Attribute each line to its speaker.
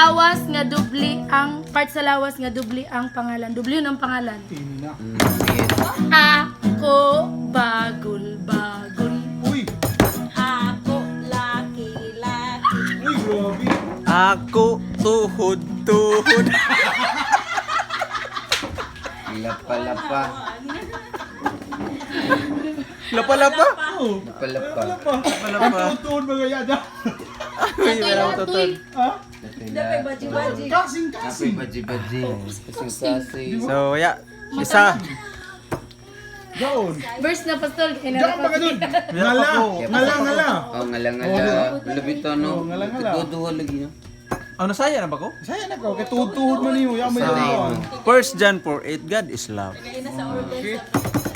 Speaker 1: lawas nga dubli ang part sa lawas nga dubli ang pangalan. Dubli yun ang pangalan. Ako bagul-bagul.
Speaker 2: Uy!
Speaker 3: Ako laki-laki.
Speaker 2: Uy, grabe!
Speaker 4: Ako tuhod-tuhod.
Speaker 5: Lapa-lapa.
Speaker 4: Lapa-lapa.
Speaker 2: Oh,
Speaker 5: Lapa-lapa.
Speaker 2: wala pa.
Speaker 4: Lapa-lapa.
Speaker 2: Ang tuon mga yada.
Speaker 4: Uy, wala ko tutod.
Speaker 2: Ha?
Speaker 3: Dapat baji-baji.
Speaker 2: Kasing-kasing.
Speaker 5: Baji-baji. Kasing-kasing.
Speaker 4: So, isa.
Speaker 2: Gaon.
Speaker 1: Verse na pastol.
Speaker 2: Diyan ka ba dun? Ngala. Ngala.
Speaker 5: Oh, ngala-ngala. Labito, no?
Speaker 2: Oh, ngala-ngala.
Speaker 5: Duduha lagi, no?
Speaker 4: Ano saya na ba ko?
Speaker 2: Saya na ko. Kaya tuhod-tuhod mo niyo. Yaman
Speaker 5: Sanay
Speaker 2: yun.
Speaker 5: mo.
Speaker 4: 1 John 4:8 God is love.
Speaker 2: Okay.